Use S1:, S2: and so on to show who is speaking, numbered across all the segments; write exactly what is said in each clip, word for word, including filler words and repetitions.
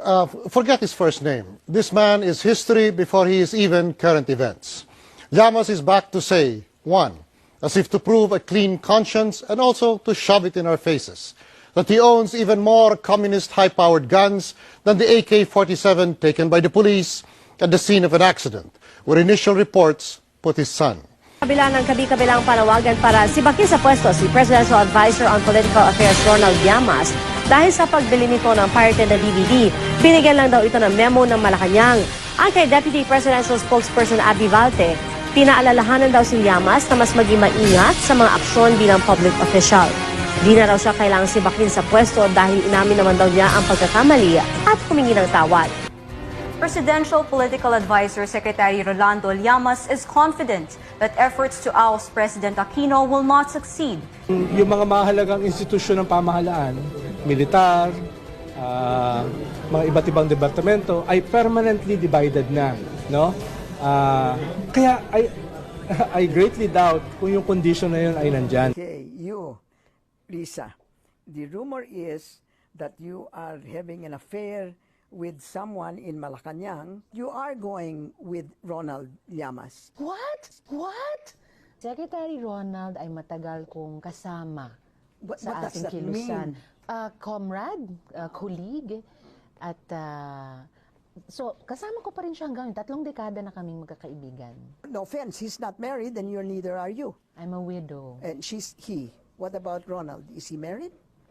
S1: uh, forget his first name. This man is history before he is even current events. Llamas is back to say, one, as if to prove a clean conscience and also to shove it in our faces, that he owns even more communist high-powered guns than the A K forty-seven taken by the police at the scene of an accident, where initial reports put his son.
S2: Kabila ng kabi-kabilang panawagan para sibakin sa pwesto si Presidential Advisor on Political Affairs Ronald Llamas dahil sa pagbili nito ng pirated na D V D. Binigyan lang daw ito ng memo ng Malacanang. Ang kay Deputy Presidential Spokesperson Abby Valte, pinaalalahanan daw si Llamas na mas maging maingat sa mga aksyon bilang public official. Di na raw siya kailangang sibakin sa pwesto dahil inamin naman daw niya ang pagkakamali at humingi ng tawad.
S3: Presidential Political Advisor Secretary Rolando Llamas is confident that efforts to oust President Aquino will not succeed.
S4: Yung mga mahalagang institusyon ng pamahalaan, militar, uh, mga iba't ibang departamento ay permanently divided na, no? Uh, kaya I I greatly doubt kung yung condition na yun ay nandyan.
S5: Okay, you, Lisa, the rumor is that you are having an affair with someone in Malacanang. You are going with Ronald Llamas.
S6: What? What? Secretary Ronald ay matagal kong kasama
S5: What,
S6: sa
S5: what does
S6: ating
S5: that
S6: kilusan.
S5: mean?
S6: Uh, comrade, uh, colleague, at uh, so kasama ko pa rin siya hanggang tatlong dekada na kaming magkakaibigan.
S5: No offense, he's not married and you're neither are you.
S6: I'm a widow.
S5: And she's he. What about Ronald? Is he married?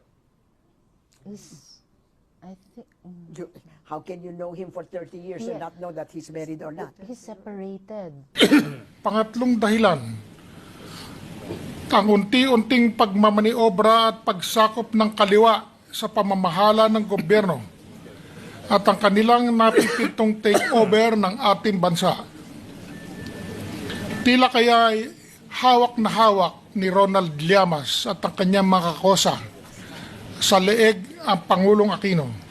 S6: Is, I think, mm,
S5: You, how can you know him for thirty years and
S6: Yeah.
S5: not know that he's married or not?
S6: he's separated.
S7: Pangatlong dahilan, ang unti-unting pagmamaniobra at pagsakop ng kaliwa sa pamamahala ng gobyerno at ang kanilang napipintong takeover ng ating bansa. Tila kaya ay hawak na hawak ni Ronald Llamas at ang kanyang mga kakosa sa leeg ang Pangulong Aquino.